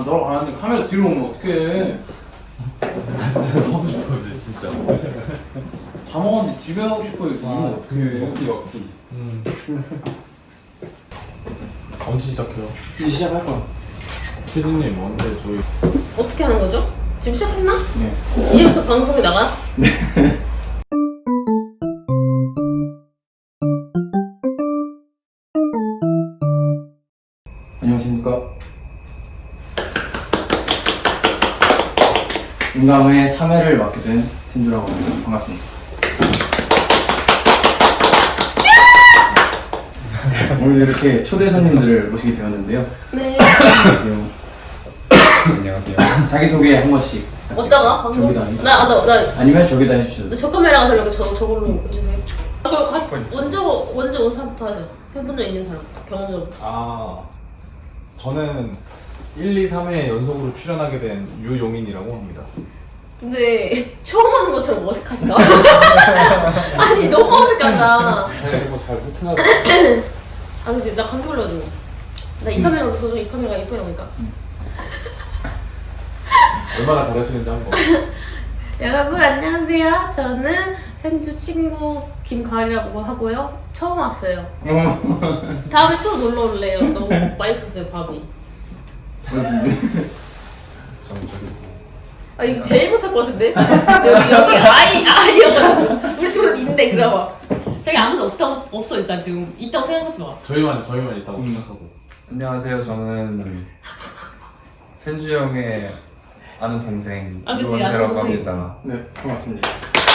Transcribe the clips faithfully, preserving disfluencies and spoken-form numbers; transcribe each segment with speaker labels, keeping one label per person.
Speaker 1: 너랑 가는데 카메라 뒤로 오면 어떡해.
Speaker 2: 진짜 가고 싶었는데 진짜.
Speaker 1: 다 먹었는데 집에 가고 싶어요.
Speaker 2: 아,
Speaker 1: 그 먹기 먹기.
Speaker 2: 음. 언제 시작해요?
Speaker 1: 이제 시작할 거야.
Speaker 2: 피디님 언제 저희
Speaker 3: 어떻게 하는 거죠? 지금 시작했나?
Speaker 1: 네.
Speaker 3: 이제부터 방송이 나가요?
Speaker 1: 네. 안녕하십니까. 인감의 삼 회를 맡게 된 신주라고 합니다. 반갑습니다. 오늘 이렇게 초대 손님들을 모시게 되었는데요.
Speaker 3: 네.
Speaker 1: 안녕하세요.
Speaker 4: 안녕하세요.
Speaker 1: 자기소개 한 번씩.
Speaker 3: 어디다가? 방송?
Speaker 1: 저기다 아니-
Speaker 3: 나, 아, 나, 나,
Speaker 1: 아니면 저기다 해주셔도
Speaker 3: 저 카메라가 되려고 저, 저걸로 해주세요. 아, 그, 가, 먼저, 먼저 온 사람부터 하죠. 해본 적 있는 사람부터, 경험자부터.
Speaker 2: 아 저는 일, 이, 삼 회 연속으로 출연하게 된 유용인이라고 합니다.
Speaker 3: 근데 처음 하는 것처럼 어색하시다? 아니, 너무 어색하다.
Speaker 2: 제가 이거 잘 못해가지고
Speaker 3: 아, 근데 나 감기 걸려가지고. 나 이 카메라로 써서 이 카메라가 예쁘게 나오니까.
Speaker 2: 얼마나 잘하시는지 한번.
Speaker 3: 여러분, 안녕하세요. 저는 생주 친구 김가을이라고 하고요. 처음 왔어요. 다음에 또 놀러 올래요. 너무 맛있었어요, 밥이.
Speaker 2: 정적이고.
Speaker 3: 아, 이거 제일 못할 것 같은데? 여기, 여기 아이, 아이여가지고. 우리 둘은 있는데, 그래봐. 저기 아무도 없다고, 없어, 일단 지금. 있다고 생각하지 마.
Speaker 2: 저희만 저희만 있다고
Speaker 1: 음.
Speaker 2: 생각하고.
Speaker 4: 안녕하세요. 저는 센주 형의 아는 동생
Speaker 3: 아, 그치,
Speaker 4: 유원재라고
Speaker 3: 아는 동생.
Speaker 4: 합니다.
Speaker 1: 네, 반갑습니다.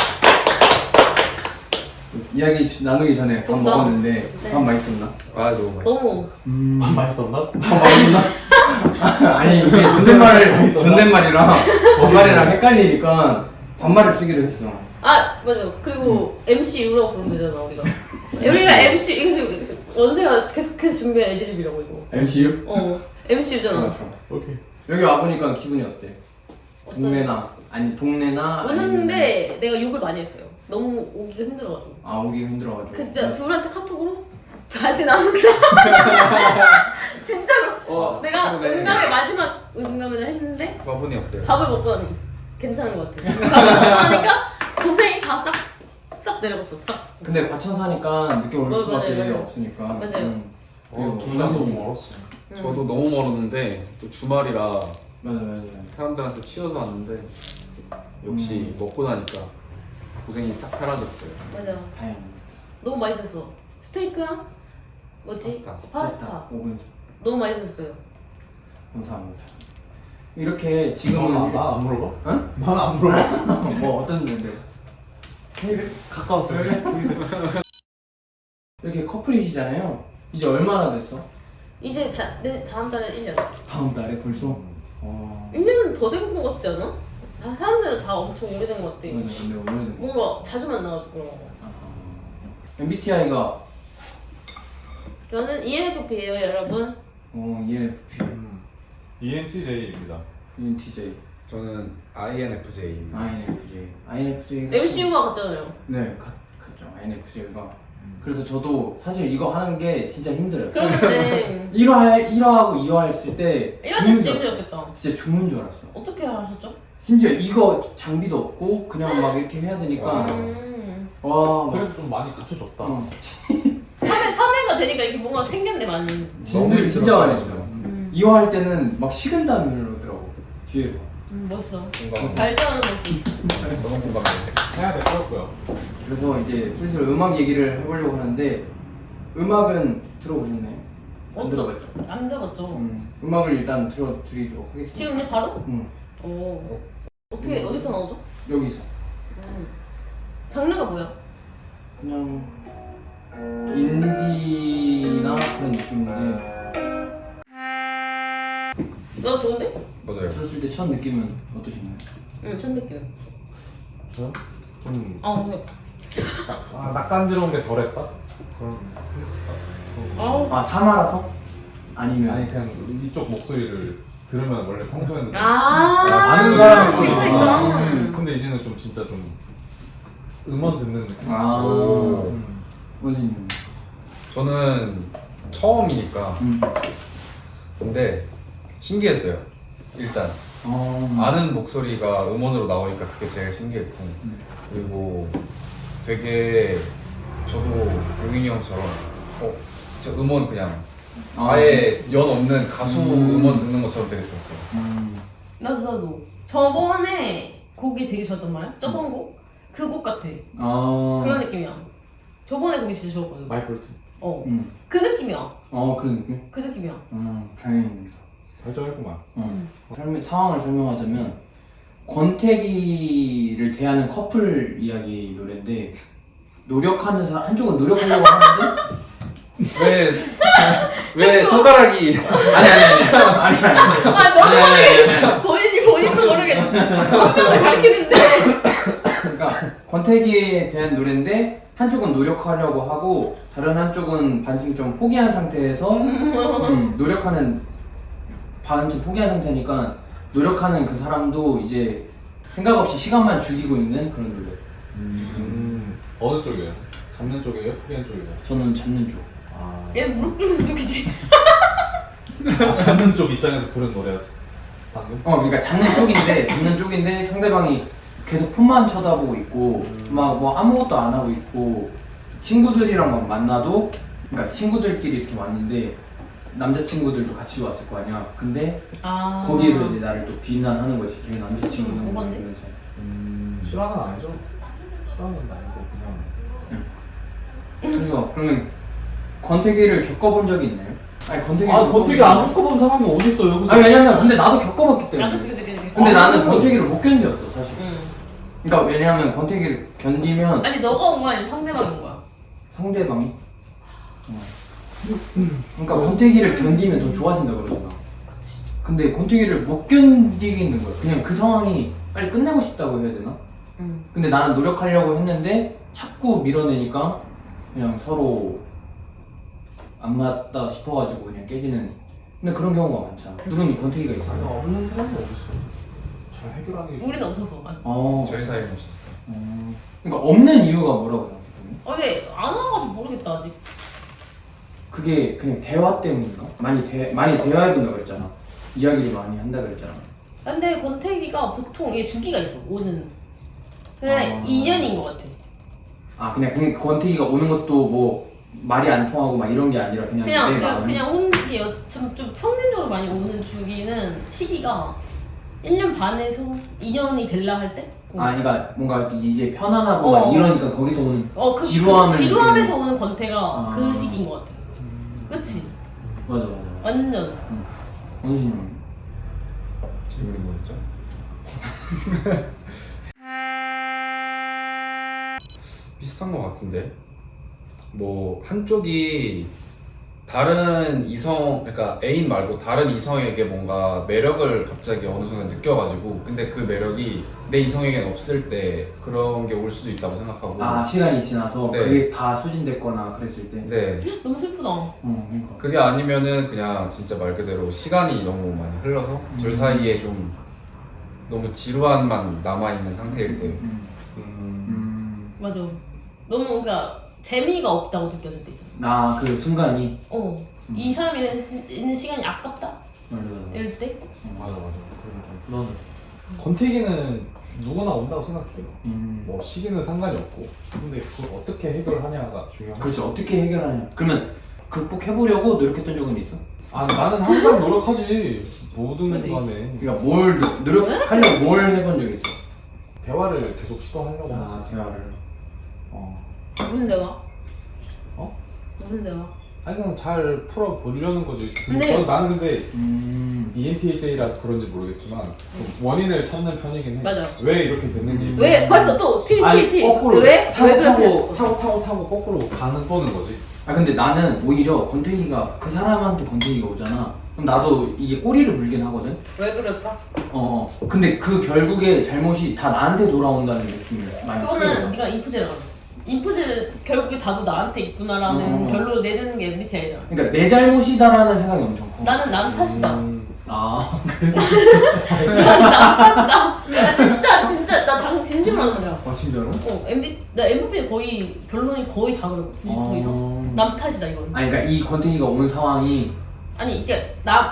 Speaker 1: 이야기 시- 나누기 전에 밥
Speaker 3: 좀
Speaker 1: 먹었는데
Speaker 3: 네.
Speaker 1: 밥 맛있었나?
Speaker 4: 아 너무 맛있어.
Speaker 3: 너무.
Speaker 1: 음...
Speaker 2: 아, 맛있었나?
Speaker 1: 밥 맛있나? 아니 이게 존댓말을
Speaker 2: 맛있었나?
Speaker 1: 존댓말이랑 반말이랑 헷갈리니까 반말을 쓰기로 했어.
Speaker 3: 아, 맞아. 그리고 엠씨 유라고 부르면 되잖아, 우리가. 우리가 엠씨, 이거 지금 원세가 계속해서 준비한 애드립이라고, 이거.
Speaker 1: 엠씨유?
Speaker 3: 어, 엠씨 유잖아.
Speaker 2: 오케이.
Speaker 1: 여기 와보니까 기분이 어때?
Speaker 3: 어떤-
Speaker 1: 동네나 아니 동네나
Speaker 3: 오는데 내가 욕을 많이 했어요. 너무 오기가 힘들어가지고.
Speaker 1: 아 오기 힘들어가지고.
Speaker 3: 그 진짜 둘한테 카톡으로 다시 나온다. 진짜로.
Speaker 4: 어,
Speaker 3: 내가
Speaker 4: 그러네.
Speaker 3: 응감의 마지막 응감을 했는데
Speaker 4: 과분이 어때요?
Speaker 3: 밥을 먹더니 괜찮은 것 같아. 밥을 먹고 나니까 고생이 다 싹 싹 내려갔어. 싹.
Speaker 1: 근데 과천 사니까 늦게 올
Speaker 3: 맞아요,
Speaker 1: 수밖에
Speaker 3: 맞아요.
Speaker 1: 없으니까.
Speaker 3: 맞아요.
Speaker 1: 음. 그리고
Speaker 2: 어, 둘다 너무 멀었어.
Speaker 3: 응.
Speaker 5: 저도 너무 멀었는데 또 주말이라
Speaker 1: 맞아 맞아.
Speaker 5: 사람들한테 치여서 왔는데 역시
Speaker 1: 음.
Speaker 5: 먹고 나니까 고생이 싹 사라졌어요.
Speaker 3: 맞아.
Speaker 1: 다행입니다.
Speaker 3: 너무 맛있었어. 스테이크랑 뭐지?
Speaker 5: 파스타.
Speaker 3: 파스타.
Speaker 1: 오 분
Speaker 3: 너무 맛있었어요.
Speaker 1: 감사합니다. 이렇게 지금은
Speaker 2: 아,
Speaker 1: 이렇게-
Speaker 2: 나안 물어봐?
Speaker 1: 응?
Speaker 2: 난안 물어봐.
Speaker 1: 뭐 어떤 건데?
Speaker 2: 가까웠어요.
Speaker 1: 이렇게 커플이시잖아요. 이제 얼마나 됐어?
Speaker 3: 이제 다, 내 다음 달에 일 년.
Speaker 1: 다음 달에 벌써?
Speaker 3: 음.
Speaker 1: 와.
Speaker 3: 일 년은 더 된 것 같지 않아? 다 사람들은 다 엄청 오래된 것 같아.
Speaker 1: 맞아, 근데 오래된 거.
Speaker 3: 뭔가 자주 만나가지고 그런 거.
Speaker 1: 엠비티아이가
Speaker 3: 저는 이엔에프피예요, 여러분.
Speaker 1: 어, 이엔에프피,
Speaker 2: 음. 이엔티제이입니다.
Speaker 1: 이엔티제이,
Speaker 5: 저는 아이엔에프제이입니다.
Speaker 1: 아이엔에프제이. 아이엔에프제이가
Speaker 3: 엠씨유가 같잖아요.
Speaker 1: 네, 갔, 갔죠. 아이엔에프제이가. 그래서 저도 사실 이거 하는 게 진짜 힘들어요.
Speaker 3: 그런데
Speaker 1: 일 화, 일 화하고 이 화 했을 때
Speaker 3: 이럴 때
Speaker 1: 죽는
Speaker 3: 진짜
Speaker 1: 줄 알았어.
Speaker 3: 힘들었겠다.
Speaker 1: 진짜 죽는 줄 알았어.
Speaker 3: 어떻게 하셨죠?
Speaker 1: 심지어 이거 장비도 없고 그냥 막 이렇게 해야 되니까
Speaker 5: 와.
Speaker 3: 음.
Speaker 1: 와, 막
Speaker 2: 그래도 좀 많이 갖춰졌다.
Speaker 1: 어,
Speaker 3: 삼 회, 삼 회가 되니까 이게 뭔가 생겼네, 많이.
Speaker 1: 진들 진짜
Speaker 2: 힘들었어요.
Speaker 1: 많이 했어요.
Speaker 3: 음.
Speaker 1: 이 화 할 때는 막 식은땀이 흐르더라고 뒤에서.
Speaker 3: 음, 멋있어.
Speaker 5: 공감.
Speaker 3: 말도 안 하는 거지.
Speaker 5: 너무 공감해요.
Speaker 2: 해야 될 것 같고요.
Speaker 1: 그래서 이제 슬슬 음악 얘기를 해보려고 하는데 음악은 들어보셨나요? 안
Speaker 3: 어떤-
Speaker 1: 들어봤죠?
Speaker 3: 안 들어봤죠?
Speaker 1: 음, 음악을 일단 들어드리도록 하겠습니다.
Speaker 3: 지금 이제 바로?
Speaker 1: 음,
Speaker 3: 오. 어떻게, 어디서 나오죠?
Speaker 1: 여기서
Speaker 3: 음. 장르가 뭐야?
Speaker 1: 그냥 인디나 그런 느낌인데
Speaker 3: 나 좋은데?
Speaker 5: 맞아요.
Speaker 1: 들었을 때 첫 느낌은 어떠신가요?
Speaker 3: 응, 첫 느낌.
Speaker 2: 저요? 좀
Speaker 3: 아, 근데.
Speaker 2: 아, 낯간지러운 게 덜했다? 그런.
Speaker 3: 아우.
Speaker 1: 아 사마라서? 아니면
Speaker 2: 아니 그냥 이쪽 목소리를 들으면 원래 평소에는
Speaker 3: 아,
Speaker 2: 아는 사람이
Speaker 3: 그러니까.
Speaker 1: 음.
Speaker 2: 근데 이제는 좀 진짜 좀 음원 듣는 느낌.
Speaker 1: 아
Speaker 2: 음.
Speaker 1: 원진님
Speaker 5: 저는 처음이니까
Speaker 1: 음.
Speaker 5: 근데 신기했어요.
Speaker 4: 일단
Speaker 1: 어.
Speaker 4: 아는 목소리가 음원으로 나오니까 그게 제일 신기했고
Speaker 1: 음.
Speaker 4: 그리고 되게 저도 용인이 형처럼 어, 저 음원 그냥
Speaker 1: 아,
Speaker 4: 아예 연 없는 가수
Speaker 1: 음.
Speaker 4: 음. 원 듣는 것처럼 되게 좋았어요.
Speaker 1: 음.
Speaker 3: 나도 나도 저번에 곡이 되게 좋았단 말이야. 저번 곡? 그 곡 같아.
Speaker 1: 아.
Speaker 3: 그런 느낌이야. 저번에 곡이 진짜 좋았거든.
Speaker 2: 마이클
Speaker 3: 어.
Speaker 1: 음.
Speaker 3: 그 느낌이야.
Speaker 1: 어 그런 느낌?
Speaker 3: 그 느낌이야.
Speaker 1: 음 다행입니다.
Speaker 2: 발전했구만.
Speaker 1: 어. 설명, 상황을 설명하자면 권태기를 대하는 커플 이야기 노래인데 노력하는 사람 한쪽은 노력하려고 하는데
Speaker 4: 왜, 왜 손가락이
Speaker 1: 아니 아니 아니 아니 아니
Speaker 3: 아 너무 모르겠어. 본인이 본인도 모르겠어. 한 명을 가르치는데.
Speaker 1: 그러니까 권태기에 대한 노래인데 한쪽은 노력하려고 하고 다른 한쪽은 반쯤 좀 포기한 상태에서 음, 노력하는 반쯤 포기한 상태니까 노력하는 그 사람도 이제 생각 없이 시간만 죽이고 있는 그런 노래.
Speaker 2: 음, 어느 쪽이에요? 잡는 쪽이에요? 포기한 쪽이에요?
Speaker 1: 저는 잡는 쪽.
Speaker 2: 아,
Speaker 3: 얘 무릎 꿇는 쪽이지.
Speaker 2: 아 잡는 쪽 입장에서 부른 노래였어. 방금?
Speaker 1: 어, 그러니까 잡는 쪽인데 잡는 쪽인데 상대방이 계속 폰만 쳐다보고 있고 막 뭐 아무것도 안 하고 있고 친구들이랑 막 만나도 그러니까 친구들끼리 이렇게 왔는데 남자친구들도 같이 왔을 거 아니야. 근데
Speaker 3: 아.
Speaker 1: 거기에서 이제 나를 또 비난하는 거지. 걔 남자친구는
Speaker 3: 음, 오반데?
Speaker 1: 이러면서.
Speaker 2: 음, 싫어하는 건 아니죠? 싫어하는 건 아니고 그냥.
Speaker 1: 그래서 그러면 권태기를 겪어본 적이 있나요? 아니 권태기
Speaker 2: 아 권태기 안 겪어본 사람이 어딨어 여기서?
Speaker 1: 아니 왜냐면 근데 나도 겪어봤기
Speaker 3: 나도
Speaker 1: 때문에.
Speaker 3: 되게 되게.
Speaker 1: 근데
Speaker 2: 아,
Speaker 1: 나는
Speaker 2: 그래요?
Speaker 1: 권태기를 못 견뎠어 사실.
Speaker 3: 응.
Speaker 1: 그러니까 왜냐면 권태기를 견디면
Speaker 3: 아니 너가 온 거야 아니면 상대방이 온 거야?
Speaker 1: 상대방이. 어. 그러니까 권태기를 견디면 더 좋아진다 그러잖아. 근데 권태기를 못 견디겠는 거야. 그냥 그 상황이 빨리 끝내고 싶다고 해야 되나?
Speaker 3: 응.
Speaker 1: 근데 나는 노력하려고 했는데 자꾸 밀어내니까 그냥 서로 안 맞다 싶어가지고 그냥 깨지는. 근데 그런 경우가 많잖아. 누군 권태기가
Speaker 2: 아니
Speaker 1: 있어요.
Speaker 2: 없는 사람이 어딨어? 잘 해결하는 게.
Speaker 3: 우리는 없었어. 아직.
Speaker 1: 어.
Speaker 4: 저희 사이는 없었어요.
Speaker 1: 어. 그러니까 없는 이유가 뭐라고 생각해?
Speaker 3: 어, 근데 안 와가지고 모르겠다 아직.
Speaker 1: 그게 그냥 대화 때문인가? 많이 대 많이 대화해본다 그랬잖아. 이야기를 많이 한다 그랬잖아.
Speaker 3: 근데 권태기가 보통 얘 주기가 있어. 오는. 그냥
Speaker 1: 아.
Speaker 3: 인연인 것 같아.
Speaker 1: 아 그냥 그냥 권태기가 오는 것도 뭐 말이 안 통하고 막 이런 게 아니라 그냥
Speaker 3: 그냥
Speaker 1: 내
Speaker 3: 그냥
Speaker 1: 마음이.
Speaker 3: 그냥 혼기 좀, 좀 평균적으로 많이 오는 주기는 시기가 일 년 반에서 이 년이 될라 할 때?
Speaker 1: 아 그러니까 뭔가 이게 편안하고
Speaker 3: 어.
Speaker 1: 막 이러니까 거기서 오는
Speaker 3: 어, 그,
Speaker 1: 지루함을
Speaker 3: 그 지루함에서
Speaker 1: 느끼는.
Speaker 3: 오는 권태가
Speaker 1: 아.
Speaker 3: 그 시기인 것 같아.
Speaker 2: 음.
Speaker 3: 그치?
Speaker 1: 맞아 맞아.
Speaker 3: 완전.
Speaker 1: 원수님.
Speaker 4: 질문이 뭐였죠? 비슷한 것 같은데 뭐 한쪽이 다른 이성 그러니까 애인 말고 다른 이성에게 뭔가 매력을 갑자기 어느 순간 느껴가지고 근데 그 매력이 내 이성에겐 없을 때 그런 게 올 수도 있다고 생각하고
Speaker 1: 아 시간이 지나서
Speaker 4: 네.
Speaker 1: 그게 다 소진됐거나 그랬을 때.
Speaker 4: 네
Speaker 3: 너무 슬프다.
Speaker 1: 어 그러니까.
Speaker 4: 그게 아니면은 그냥 진짜 말 그대로 시간이 너무 많이 흘러서 둘
Speaker 1: 음.
Speaker 4: 사이에 좀 너무 지루함만 남아있는 상태일 때
Speaker 1: 음.
Speaker 2: 음.
Speaker 1: 음.
Speaker 3: 맞아. 너무 그러니까 재미가 없다고 느껴질 때 있잖아.
Speaker 1: 아그 순간이.
Speaker 3: 어.
Speaker 1: 음.
Speaker 3: 이 사람이 있는, 시- 있는 시간이 아깝다?
Speaker 1: 맞아 맞아.
Speaker 3: 이럴 때?
Speaker 2: 맞아 맞아. 그런 거.
Speaker 1: 맞아.
Speaker 2: 권태기는 누구나 온다고 생각해요.
Speaker 1: 음.
Speaker 2: 뭐 시기는 상관이 없고. 근데 그걸 어떻게 해결하냐가 중요하지.
Speaker 1: 그렇지 어떻게 해결하냐. 그러면 극복해보려고 노력했던 적은 있어?
Speaker 2: 아 나는 항상 노력하지. 모든
Speaker 3: 그치?
Speaker 2: 간에
Speaker 1: 그러니까 뭘 노- 노력하려고 뭘 해본 적 있어?
Speaker 2: 대화를 계속 시도하려고
Speaker 1: 아
Speaker 2: 하지.
Speaker 1: 대화를.
Speaker 2: 어.
Speaker 3: 무슨 대화?
Speaker 2: 어?
Speaker 3: 무슨 대화?
Speaker 2: 아니 그냥 잘 풀어보려는 거지.
Speaker 3: 근데-
Speaker 2: 저- 나는 근데
Speaker 1: 음.
Speaker 2: 이엔티제이라서 그런지 모르겠지만 좀 원인을 찾는 편이긴 해.
Speaker 3: 맞아.
Speaker 2: 왜 이렇게 됐는지.
Speaker 1: 음.
Speaker 3: 왜? 벌써 또 티,
Speaker 2: 아니
Speaker 3: 티, 티.
Speaker 2: 거꾸로
Speaker 3: 왜?
Speaker 2: 타고
Speaker 3: 왜 그렇게
Speaker 2: 타고
Speaker 3: 했어?
Speaker 2: 타고 타고 타고 거꾸로 가는 거는 거지.
Speaker 1: 아 근데 나는 오히려 권태기가 그 사람한테 권태기가 오잖아. 그럼 나도 이게 꼬리를 물긴 하거든.
Speaker 3: 왜 그럴까?
Speaker 1: 어. 어. 근데 그 결국에 잘못이 다 나한테 돌아온다는 느낌이 많이
Speaker 3: 그거는
Speaker 1: 크거든.
Speaker 3: 네가 인프제라고. 인프제 결국에 다도 나한테 있구나라는
Speaker 1: 음.
Speaker 3: 결론을 내리는 게 엠비티아이잖아.
Speaker 1: 그러니까 내 잘못이다라는 생각이 엄청 커.
Speaker 3: 나는 남 탓이다.
Speaker 2: 음,
Speaker 1: 아.
Speaker 3: 나는 남 탓이다. 나 진짜 진짜 나 장 진심으로 하는 거야.
Speaker 1: 아 진짜로?
Speaker 3: 어, 엠비 나 엠브이 거의 결론이 거의 다 그래. 구십 퍼센트 이상.
Speaker 1: 어.
Speaker 3: 남 탓이다 이건.
Speaker 1: 아니 그러니까 이 권태기가 온 상황이
Speaker 3: 아니 이게 나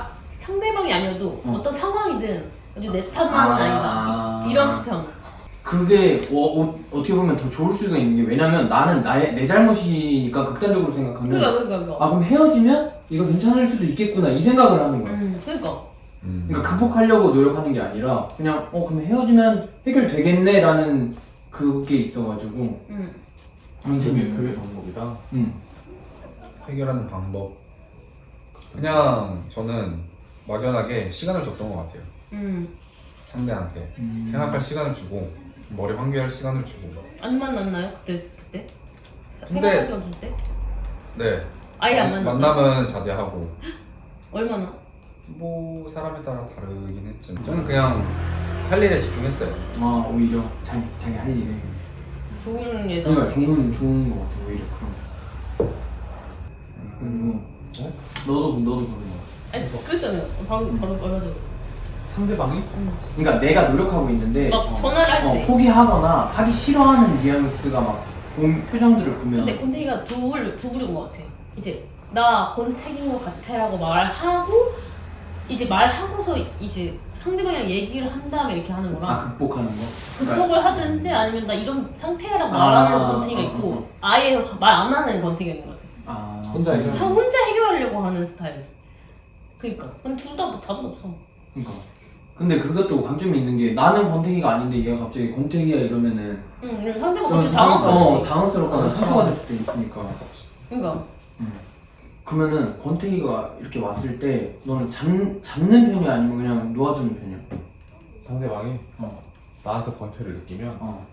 Speaker 3: 상대방이 아니어도
Speaker 1: 어.
Speaker 3: 어. 떤 상황이든 아주 내 탓만은
Speaker 1: 아.
Speaker 3: 아니다. 이, 이런 편.
Speaker 1: 그게 어, 어, 어떻게 보면 더 좋을 수가 있는 게 왜냐면 나는 나의 내 잘못이니까 극단적으로 생각하면
Speaker 3: 그니까 그니까 그니까.
Speaker 1: 아 그럼 헤어지면 이거 괜찮을 수도 있겠구나 이 생각을 하는 거야.
Speaker 3: 음, 그니까.
Speaker 4: 음.
Speaker 1: 그러니까 극복하려고 노력하는 게 아니라 그냥 어 그럼 헤어지면 해결되겠네라는 그게 있어가지고
Speaker 3: 음.
Speaker 2: 그게 그게 방법이다.
Speaker 1: 음.
Speaker 4: 해결하는 방법 그냥 저는 막연하게 시간을 줬던 것 같아요.
Speaker 3: 음.
Speaker 4: 상대한테
Speaker 1: 음.
Speaker 4: 생각할 시간을 주고 머리 환기할 시간을 주고.
Speaker 3: 안 만났나요? 그때 그때?
Speaker 4: 근데-
Speaker 3: 생각할 시간 줄 때?
Speaker 4: 네.
Speaker 3: 아예 안 만났나?
Speaker 4: 만남은 자제하고
Speaker 3: 얼마나?
Speaker 4: 뭐 사람에 따라 다르긴 했지만 저는 그냥 할 일에 집중했어요.
Speaker 1: 아 오히려 자기 자기 할 일에
Speaker 3: 좋은 예다.
Speaker 1: 그러니까 좋은 좋은 거 같아 오히려 그런. 그리고
Speaker 2: 어?
Speaker 1: 너도 너도 그런 거.
Speaker 3: 아니 그랬잖아요. 방금 바로 말하자고.
Speaker 2: 상대방이?
Speaker 3: 음.
Speaker 1: 그러니까 내가 노력하고 있는데
Speaker 3: 막
Speaker 1: 어,
Speaker 3: 전화를 할
Speaker 1: 어,
Speaker 3: 때.
Speaker 1: 포기하거나 하기 싫어하는 뉘앙스가 막 본 표정들을 보면
Speaker 3: 근데 권태기가 두불 두불인 것 같아. 이제 나 권태기인 것 같아라고 말하고 이제 말하고서 이제 상대방이랑 얘기를 한 다음에 이렇게 하는 거랑
Speaker 1: 아 극복하는 거.
Speaker 3: 극복을 하든지 아니면 나 이런 상태라고
Speaker 1: 아,
Speaker 3: 말하는 권태기가
Speaker 1: 아,
Speaker 3: 있고
Speaker 1: 아,
Speaker 3: 아예 말 안 하는 권태기가 있는 것 같아.
Speaker 1: 아
Speaker 2: 혼자 해결-
Speaker 3: 하- 혼자 해결하려고 하는 스타일. 그니까. 근데 둘 다 뭐 답은 없어.
Speaker 1: 그러니까. 근데 그것도 강점이 있는 게 나는 권태기가 아닌데 얘가 갑자기 권태기야 이러면은
Speaker 3: 응, 이런 상대방
Speaker 1: 그런
Speaker 3: 갑자기
Speaker 1: 상-
Speaker 3: 당황스러워.
Speaker 1: 어, 당황스럽거나 상처가 될 수도 있으니까.
Speaker 3: 그니까.
Speaker 1: 음. 그러면은 권태기가 이렇게 왔을 때 너는 잡, 잡는 편이 아니면 그냥 놓아주는 편이야?
Speaker 2: 상대방이
Speaker 1: 어.
Speaker 2: 나한테 권태를 느끼면
Speaker 1: 어.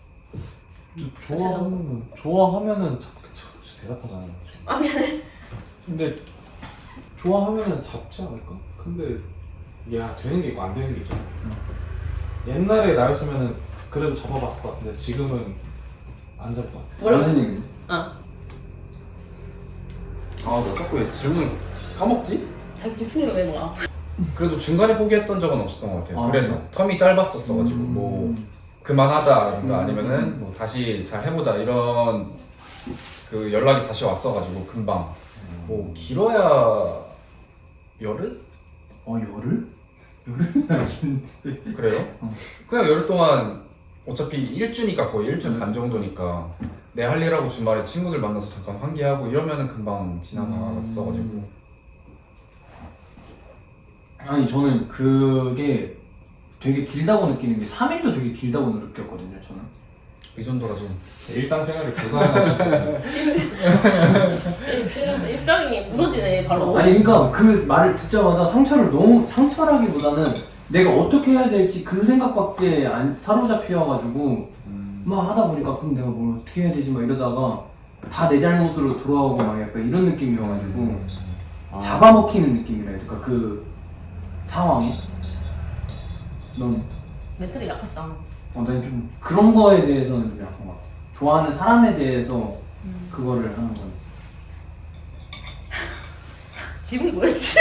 Speaker 2: 좋아하면 좋아하면은 잡 그쵸, 대답하잖아요.
Speaker 3: 아, 미안해.
Speaker 2: 근데 좋아하면은 잡지 않을까? 근데 이게 되는 게 있고 안 되는 게 있잖아. 옛날에 나였으면은 그래도 잡아봤을 것 같은데 지금은 안 잡을 것 같아.
Speaker 3: 뭐라고?
Speaker 1: 무슨 얘기?
Speaker 3: 아,
Speaker 4: 아너 자꾸 왜 질문 까먹지?
Speaker 3: 자기 집중력이 왜 뭐야?
Speaker 4: 그래도 중간에 포기했던 적은 없었던 것 같아요.
Speaker 1: 아,
Speaker 4: 그래서 텀이 짧았었어가지고
Speaker 1: 음.
Speaker 4: 뭐 그만하자든가
Speaker 1: 음.
Speaker 4: 아니면은 뭐 다시 잘 해보자 이런 그 연락이 다시 왔어가지고 금방 뭐 길어야 열흘?
Speaker 1: 어 열흘? 열흘?
Speaker 4: 그래요?
Speaker 1: 어.
Speaker 4: 그냥 열흘 동안 어차피 일주니까 거의 일주
Speaker 1: 음.
Speaker 4: 반 정도니까 내 할 일하고 주말에 친구들 만나서 잠깐 환기하고 이러면은 금방 지나갔어가지고
Speaker 1: 음. 아니 저는 그게 되게 길다고 느끼는 게 삼 일도 되게 길다고 느꼈거든요 저는.
Speaker 4: 이 정도라 좀
Speaker 2: 일상생활이 불가능하시고
Speaker 3: 일상, 일상이 무너지네, 바로.
Speaker 1: 아니 그러니까 그 말을 듣자마자 상처를 너무 상처라기보다는 내가 어떻게 해야 될지 그 생각밖에 안 사로잡혀가지고 막 하다 보니까 그럼 내가 뭘 어떻게 해야 되지 막 이러다가 다 내 잘못으로 돌아오고 막 약간 이런 느낌이어가지고
Speaker 2: 아.
Speaker 1: 잡아먹히는 느낌이라 해야 될까 그 상황이. 넌
Speaker 3: 멘탈이 약했어.
Speaker 1: 어, 난 좀 그런 거에 대해서는 좀 약한 것 같아. 좋아하는 사람에 대해서
Speaker 3: 음.
Speaker 1: 그거를 하는 건.
Speaker 3: 지금이 뭐였지?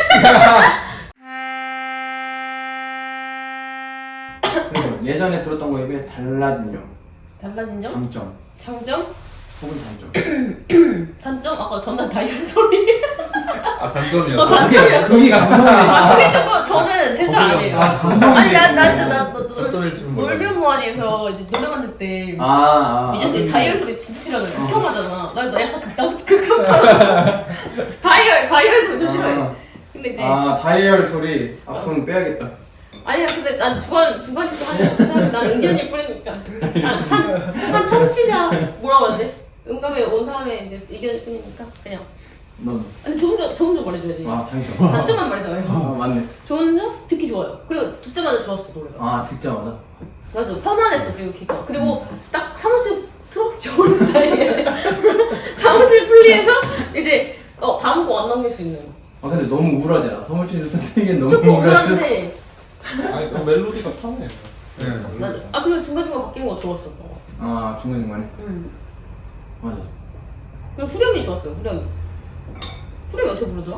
Speaker 1: 그리고 예전에 들었던 거에 비해 달라진 점,
Speaker 3: 달라진 점?
Speaker 1: 장점,
Speaker 3: 장점?
Speaker 1: 혹은 단점.
Speaker 3: 단점? 아까 전날 다이얼 소리.
Speaker 4: 아
Speaker 3: 어,
Speaker 4: 단점이었어.
Speaker 3: 단-
Speaker 1: 그게
Speaker 3: 단점이었어.
Speaker 1: 그게 감성이니까.
Speaker 3: 아, 그게 조금, 저는 제 스타일 아니에요.
Speaker 1: 아 감성이.
Speaker 3: 아니, 나, 나 진짜, 나, 너, 너,
Speaker 4: 단점일 줄은 몰라.
Speaker 3: 놀면 뭐하니에서 이제 노래만 듣을 때.
Speaker 1: 아, 아.
Speaker 3: 이 자식이
Speaker 1: 아,
Speaker 3: 다이얼 소리 진짜 싫어하잖아.
Speaker 1: 어.
Speaker 3: 극혐하잖아. 나, 나 약간 극단, 극혐하잖아. 다이얼, 다이얼 소리 좀 싫어해.
Speaker 1: 아,
Speaker 3: 근데 이제.
Speaker 1: 아 다이얼 소리 앞으로는 빼야겠다.
Speaker 3: 아니야, 근데 난 주관, 주관이 좀 하냐. 난 의견이 뿌리니까. 한, 한, 한 청취자, 뭐라고 해야 돼? 응답에 온 사람의 이제 의견이 뿌리니까. 그냥.
Speaker 1: 넌.
Speaker 3: 아니, 좋은 점, 좋은 점 말해줘야지.
Speaker 1: 아 장점.
Speaker 3: 단점만 말해줘요.
Speaker 1: 아 맞네.
Speaker 3: 좋은 점? 듣기 좋아요. 그리고 듣자마자 좋았어, 노래가.
Speaker 1: 아 듣자마자.
Speaker 3: 맞아, 편안했어, 그리고 귀가. 그리고 딱 사무실 틀어놓기 좋은 스타일이에요. 사무실 플리에서 이제, 어, 다음 곡 안 넘길 수 있는 거.
Speaker 1: 아 근데 너무 우울하잖아. 사무실에서 쓰기엔 너무
Speaker 3: 조금
Speaker 1: 우울한데.
Speaker 3: 우울한데,
Speaker 2: 아니 그 멜로디가 편해.
Speaker 4: 네.
Speaker 3: 맞아. 아, 그리고 중간중간 바뀐 거 좋았었던 거.
Speaker 1: 아 중간 중간에.
Speaker 3: 응.
Speaker 1: 맞아.
Speaker 3: 그리고 후렴이 좋았어요, 후렴이. 후렴이 어떻게 부르더라?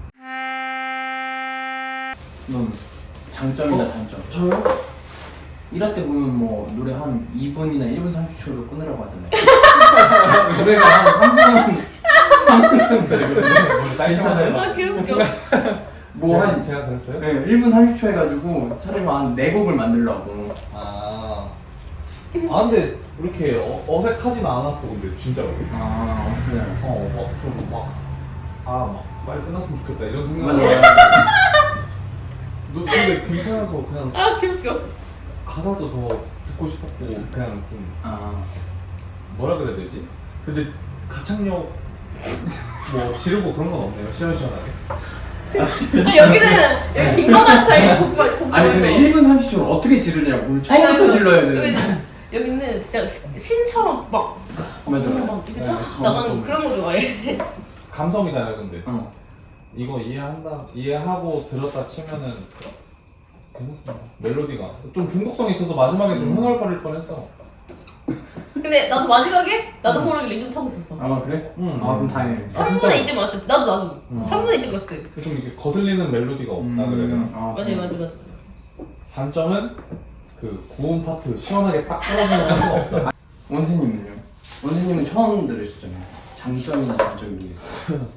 Speaker 1: 넌 장점이나
Speaker 3: 어?
Speaker 1: 단점. 저요? 일할 때 보면 뭐 노래 한 이 분이나 일 분 삼십 초로 끊으라고 하잖아요. 노래가 한 삼 분, 삼 분 정도 되거든요.
Speaker 2: 짧잖아요.
Speaker 3: 아, 개웃겨.
Speaker 1: 뭐 한
Speaker 2: 제가 그랬어요?
Speaker 1: 네, 일 분 삼십 초 해가지고 차라리 한 네 곡을 만들려고.
Speaker 2: 아, 아 근데 이렇게 어, 어색하진 않았어 근데 진짜로.
Speaker 1: 아, 어떻게 알았어?
Speaker 2: 어, 막좀막아막 빨리 끝났으면 좋겠다 이런 생각.
Speaker 1: 맞아.
Speaker 2: 너 근데 괜찮아서 그냥
Speaker 3: 아 귀엽겨.
Speaker 2: 가사도 더 듣고 싶었고 그냥 좀
Speaker 1: 아,
Speaker 2: 뭐라 그래야 되지? 근데 가창력 뭐 지르고 그런 건 없네요 시원시원하게.
Speaker 3: 아, 여기는 여기 김건아 스타일 공부 공부.
Speaker 1: 아니 근데 일 분 삼십 초를 어떻게 지르냐고. 처음부터 질러야 되는데.
Speaker 3: 여기는 진짜 신처럼 막
Speaker 1: 맞아.
Speaker 3: 막 이렇게
Speaker 2: 네,
Speaker 3: 쫙
Speaker 2: 처음,
Speaker 3: 나가는
Speaker 2: 처음.
Speaker 3: 그런 거 좋아해.
Speaker 2: 감성이잖아요 근데.
Speaker 1: 어.
Speaker 2: 이거 이해한다 이해하고 들었다 치면은 괜찮습니다. 멜로디가 좀 중독성이 있어서 마지막에 좀
Speaker 1: 음.
Speaker 2: 흥얼거릴 뻔했어.
Speaker 3: 근데 나도 마지막에 나도 모르게 리듬 타고 있었어.
Speaker 1: 아 그래?
Speaker 2: 응.
Speaker 1: 아 그럼 다행이네.
Speaker 3: 삼 분에 이제 왔을 때 나도 나도
Speaker 2: 음.
Speaker 3: 삼 분에 이제 왔을 때.
Speaker 2: 좀 이게 거슬리는 멜로디가 없다
Speaker 1: 음,
Speaker 2: 그래야 되나?
Speaker 1: 아,
Speaker 3: 맞아
Speaker 1: 그래.
Speaker 3: 맞아 맞아.
Speaker 2: 단점은 그 고음 파트 시원하게 딱 떨어지는 파트가 없다.
Speaker 1: 원세님은요? 원세님은 처음 들으셨잖아요. 장점이나 단점이 있어요.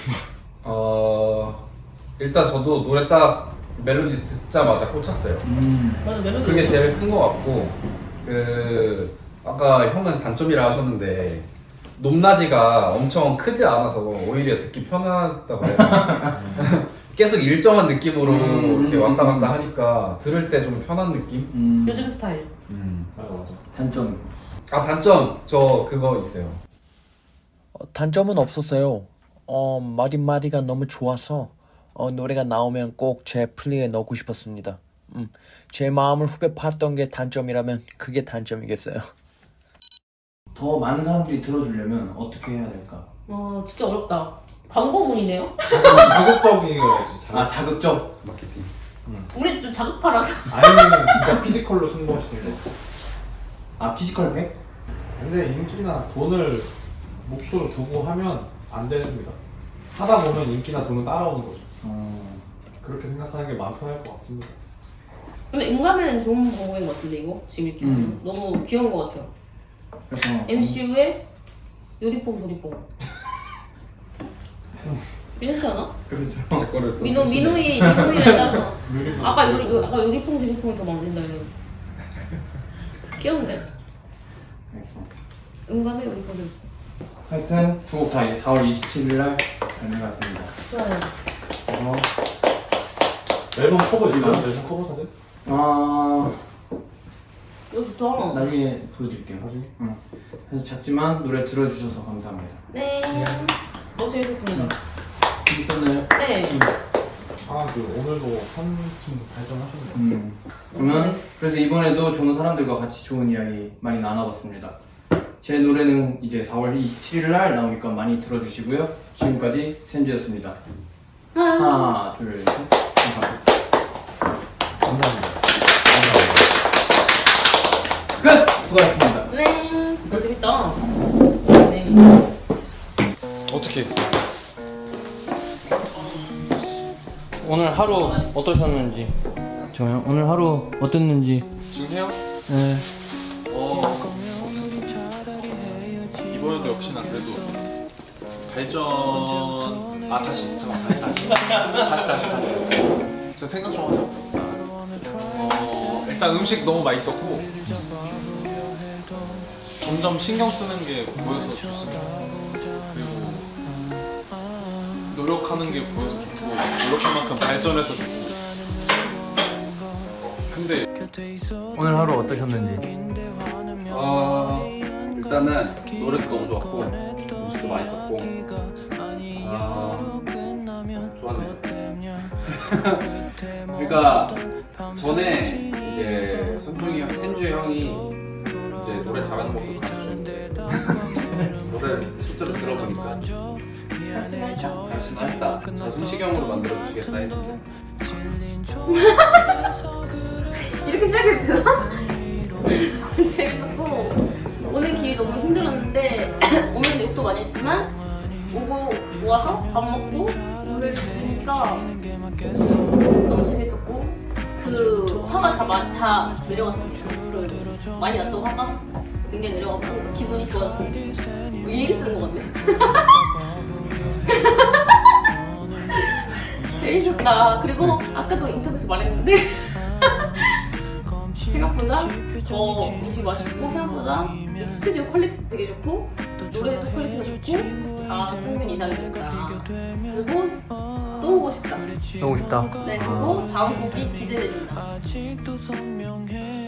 Speaker 4: 어 일단 저도 노래 딱 멜로디 듣자마자 꽂혔어요.
Speaker 1: 음.
Speaker 3: 맞아 멜로디.
Speaker 4: 그게 제일 큰 것 같고 그 아까 형은 단점이라 하셨는데 높낮이가 엄청 크지 않아서 오히려 듣기 편하다고 해야 되나? 계속 일정한 느낌으로
Speaker 1: 음,
Speaker 4: 이렇게
Speaker 1: 음,
Speaker 4: 왔다
Speaker 1: 음.
Speaker 4: 갔다 하니까 들을 때 좀 편한 느낌?
Speaker 1: 음.
Speaker 3: 요즘 스타일.
Speaker 2: 맞아 맞아.
Speaker 1: 단점.
Speaker 4: 아 단점 저 그거 있어요.
Speaker 6: 어, 단점은 없었어요. 어, 마디마디가 너무 좋아서 어, 노래가 나오면 꼭 제 플리에 넣고 싶었습니다. 음, 제 마음을 후벼 팠던 게 단점이라면 그게 단점이겠어요.
Speaker 1: 더 많은 사람들이 들어주려면 어떻게 해야 될까?
Speaker 3: 와 진짜 어렵다. 광고문이네요.
Speaker 2: 자극적이어야지.
Speaker 1: 아
Speaker 2: 자극.
Speaker 1: 자극적.
Speaker 5: 마케팅.
Speaker 3: 우리 좀 자극파라서.
Speaker 2: 아니면 진짜 피지컬로 승부하시는 거.
Speaker 1: 아 피지컬 백?
Speaker 2: 근데 인기나 돈을 목표로 두고 하면 안 됩니다. 하다 보면 인기나 돈은 따라오는 거죠.
Speaker 1: 어.
Speaker 2: 그렇게 생각하는 게 마음 편할 것 같습니다.
Speaker 3: 근데 인간에는 좋은 방법인 것 같은데 이거 지금 이렇게
Speaker 1: 음.
Speaker 3: 너무 귀여운 것 같아요.
Speaker 1: 그래서
Speaker 3: 엠씨유의 요리뽕 조리뽕. 이렇지 않아?
Speaker 1: 그렇죠.
Speaker 4: 제 거를 또
Speaker 3: 민호
Speaker 4: 쓰시네.
Speaker 3: 민호이 민호이를 따서
Speaker 2: 요리도
Speaker 3: 아까 요리 요- 아까 요리뽕 조리뽕이 더 만든다 이거. 귀여운데?
Speaker 1: 알겠습니다.
Speaker 3: 인간의 요리뽕 조리뽕.
Speaker 1: 하여튼 두 곡 다 이제 사월 이십칠일 날 발매가 됩니다.
Speaker 3: 좋아요.
Speaker 1: 그래서
Speaker 2: 앨범 커버 있나요? 앨범 커버 사진?
Speaker 1: 아
Speaker 3: 이거 좋다.
Speaker 1: 나중에 보여드릴게요.
Speaker 2: 나중에?
Speaker 1: 응. 그래서 작지만 노래 들어주셔서 감사합니다.
Speaker 3: 네. 너무 재밌었습니다.
Speaker 1: 있었나요?
Speaker 3: 네.
Speaker 2: 아, 그 오늘도 한층 발전하셨네요.
Speaker 1: 음. 그러면 그래서 이번에도 좋은 사람들과 같이 좋은 이야기 많이 나눠봤습니다. 제 노래는 이제 사월 이십칠일 날 나오니까 많이 들어주시고요. 지금까지 센주였습니다.
Speaker 3: 아.
Speaker 1: 하나, 둘, 셋. 감사합니다.
Speaker 2: 감사합니다.
Speaker 1: 끝! 수고하셨습니다.
Speaker 3: 네. 너 재밌다. 네.
Speaker 1: 어떻게? 오늘 하루 어떠셨는지. 저요? 오늘 하루 어땠는지.
Speaker 7: 지금 해요?
Speaker 1: 네.
Speaker 7: 어, 이번에도 역시나 그래도 발전. 아 다시 잠깐 다시 다시 다시 다시 다시. 제가 생각 좀 하자. 어, 일단 음식 너무 맛있었고 점점 신경 쓰는 게 보여서 좋습니다. 그리고 노력하는 게 보여서 좋고 노력한 만큼 발전해서 좋고. 근데
Speaker 1: 오늘 하루 어떠셨는지.
Speaker 5: 어, 일단은 노래도 너무 좋았고 음식도 맛있었고 아, 좋았네요. 그러니까 전에 이제 선중이 형, 센주 형이 이제 노래 잘하는 것도 가르쳐줬는데 노래를 실제로 들어보니까 진짜 했다. 음식형으로 만들어 주시겠다 했는데
Speaker 3: 이렇게 시작해도 되나? 재밌었고 오늘 길이 너무 힘들었는데 오늘은 욕도 많이 했지만 오고 모아서 밥 먹고 노래를 들으니까 너무 재밌었고 그 화가 다, 마, 다 내려갔어요. 그 많이 났던 화가 굉장히 내려갔고 기분이 좋았고 뭐 얘기 쓰는 거 같네. 재밌었다. 그리고 아까도 인터뷰에서 말했는데 생각보다 어, 음식 맛있고 생각보다 이 스튜디오 퀄리티도 되게 좋고 노래도 퀄리티가 좋고 다 평균 이상이니까 그리고 또 오고 싶다.
Speaker 6: 너무 싶다.
Speaker 3: 네 그리고 다음 곡이 기대됩니다.
Speaker 8: 아직도 선명해